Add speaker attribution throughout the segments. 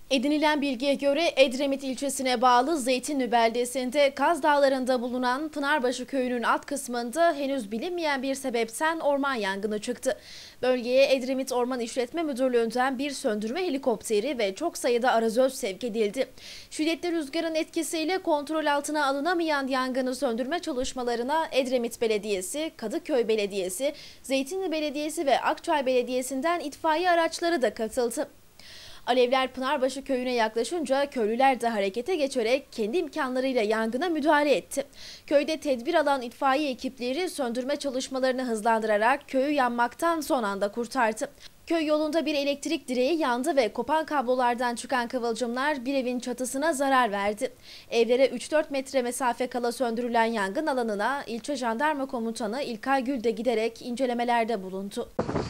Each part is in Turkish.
Speaker 1: Edinilen bilgiye göre Edremit ilçesine bağlı Zeytinli beldesinde Kaz Dağları'nda bulunan Pınarbaşı köyünün alt kısmında henüz bilinmeyen bir sebepten orman yangını çıktı. Bölgeye Edremit Orman İşletme Müdürlüğü'nden bir söndürme helikopteri ve çok sayıda arazöz sevk edildi. Şiddetli rüzgarın etkisiyle kontrol altına alınamayan yangını söndürme çalışmalarına Edremit Belediyesi, Kadıköy Belediyesi, Zeytinli Belediyesi ve Akçay Belediyesi'nden itfaiye araçları da katıldı. Alevler Pınarbaşı köyüne yaklaşınca köylüler de harekete geçerek kendi imkanlarıyla yangına müdahale etti. Köyde tedbir alan itfaiye ekipleri söndürme çalışmalarını hızlandırarak köyü yanmaktan son anda kurtardı. Köy yolunda bir elektrik direği yandı ve kopan kablolardan çıkan kıvılcımlar bir evin çatısına zarar verdi. Evlere 3-4 metre mesafe kala söndürülen yangın alanına ilçe jandarma komutanı İlkay Gül de giderek incelemelerde bulundu.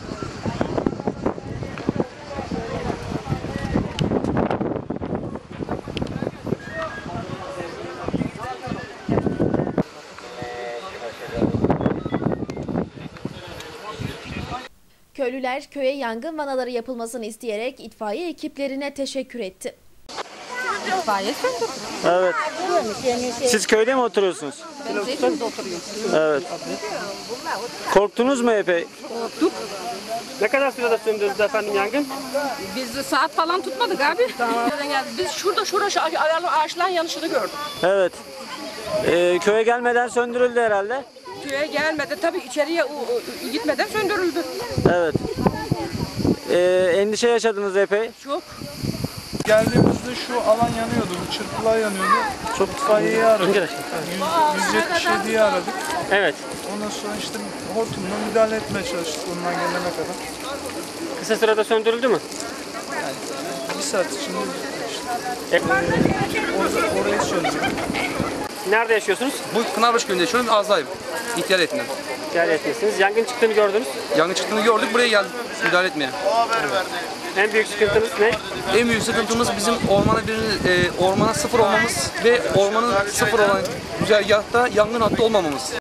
Speaker 1: Köylüler köye yangın vanaları yapılmasını isteyerek itfaiye ekiplerine teşekkür etti.
Speaker 2: İtfaiye söndürdü.
Speaker 3: Evet. Siz köyde mi oturuyorsunuz?
Speaker 2: Ben Zeytin'de oturuyorum.
Speaker 3: Evet. Korktunuz mu epey?
Speaker 2: Korktuk.
Speaker 4: Ne kadar sürede söndürdü efendim yangın?
Speaker 2: Biz saat falan tutmadık abi. Biz şurada şu ağaçların yanışını gördük.
Speaker 3: Evet. Köye gelmeden söndürüldü herhalde.
Speaker 2: Köye gelmedi tabii, içeriye gitmeden söndürüldü.
Speaker 3: Evet. Endişe yaşadınız epey.
Speaker 2: Çok.
Speaker 5: Geldiğimizde şu alan yanıyordu, çırpılar yanıyordu. Çok itfaiyeyi aradık. 177'yi aradık.
Speaker 4: Evet.
Speaker 5: Ondan sonra işte hortumla müdahale etmeye çalıştık ondan gelene kadar.
Speaker 4: Kısa sürede söndürüldü mü?
Speaker 5: Bir saat içinde işte, orayı söndürdük.
Speaker 4: Nerede yaşıyorsunuz?
Speaker 6: Bu Pınarbaşı köyünde yaşıyorum, Azayım. İhtiyar heyetinden.
Speaker 4: Geleceksiniz. Yangın çıktığını gördünüz.
Speaker 6: Yangın çıktığını gördük, buraya geldik müdahale etmeye.
Speaker 4: En büyük sıkıntınız ne?
Speaker 6: En büyük sıkıntımız bizim ormana sıfır olmamız ve ormanın sıfır olan güzergahta yangın hattı olmamamız.